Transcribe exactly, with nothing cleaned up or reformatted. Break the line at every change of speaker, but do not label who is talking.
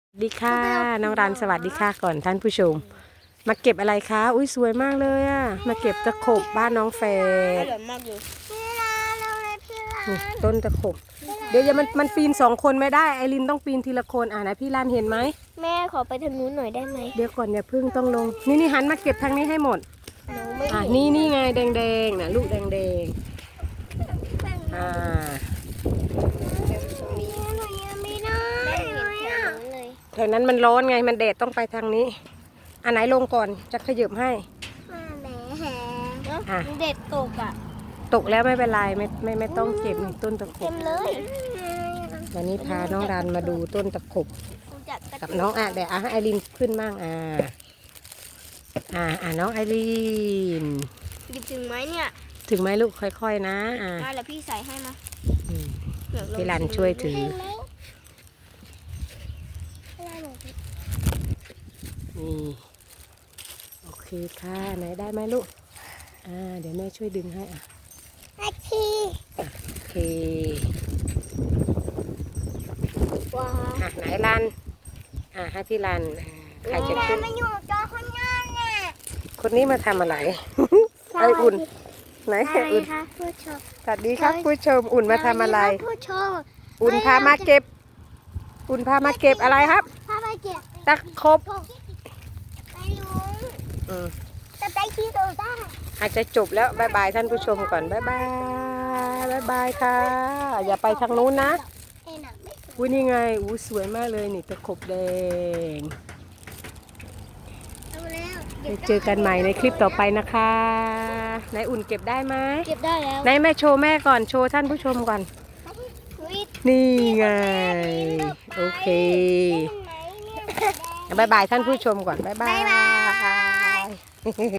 สวัสดีค่ะน้องรันสวัสดีค่ะก่อนท่านผู้ชมมาเก็บอะไรคะอุ้ยสวยมากเลยอะมาเก็บตะขบบ้านน้องแฟด
อร่อยมากเลย
พี่ลาเราเลยพี่ลา
นี่ต้นตะขบเดี๋ยวอย่ามันมันปีนสองคนไม่ได้ไอรินต้องปีนทีละคนอ่านะพี่รันเห็นไหม
แม่ขอไปทางนู้นหน่อยได้ไหม
เดี๋ยวก่อนอย่าเพึ่งต้องลงนี่นี่หันมาเก็บทางนี้ให้หมด
หนูไม่
อ่ะ
เห็น
นี่นี่ไงแดงแดงๆนะลูกแดงแดงๆอ่า
หนูยังไม่ได้เลยอ่ะ
แถวนั้นมันร้อนไงมันแดดต้องไปทางนี้อันไหนลงก่อนจะขยับให้
มาแหมแห
อ่ะ
เด็ดตกอ่ะ
ตกแล้วไม่เป็นไรไม่ไม่ไม่ต้องเก็บนี่ต้นตะข
เต็
บ
มเลย
วันนี้พาน้องรันมาดูต้นตะขบ กับน้องอ่ะเดี๋ยวอ่ะให้ไอรินขึ้นบ้างอ่าอ่าอ่าน้องไอริน
หยิบถึงไหมเนี่ย
ถึงไหมลูกค่อยๆนะอ่า
มาแล้วพี่ใส่ให้มา
อืม
เดี๋ยวลอง
พี่รันช่วยถือ นี่โอเคค่ะไหนได้ไหมลูกอ่าเดี๋ยวแม่ช่วยดึงให้อ่ะ
อาชี
โอเค
ว้า
อ่ะไหนรันอ่าให้พี่รันอ่าใครจะขึ้น
มาอยู่จอข้างหน้าเนี่ย
คนนี้มาทำอะไร ไออุ่นไหน
ใช่
อุ่น
ค่ะผู้ชม
สวัสดีครับผู้ชมอุ่นมาทำอะไร
ผู้ชม
อุ่นพามาเก็บ อุ่นพามาเก็บอะไรครับ
พามาเก็บ
ตะขบ
ไปลุง
อืม
จะไปที่โดด้า
อาจจะจบแล้วบายบายท่านผู้ชมก่อนบายบายบายบายค่ะ อย่าไปทางนู้นนะ
เอ็นอ่ะไม่สวย
อุ้ยนี่ไงอู้สวยมากเลยนี่ตะขบแดง
เอาแล้ว
ไปเจอกันใหม่ในคลิปต่อไปนะคะนายอุ่นเก็บได้ไหม
เก็บได้แล้ว
นายแม่โชว์แม่ก่อนโชว์ท่านผู้ชมก่อน
วิท
นี่ไงโอเค
เห็นไหมเนี่ย
บายบายท่านผู้ชมก่อนบายบา
บ๊ายบาย
ย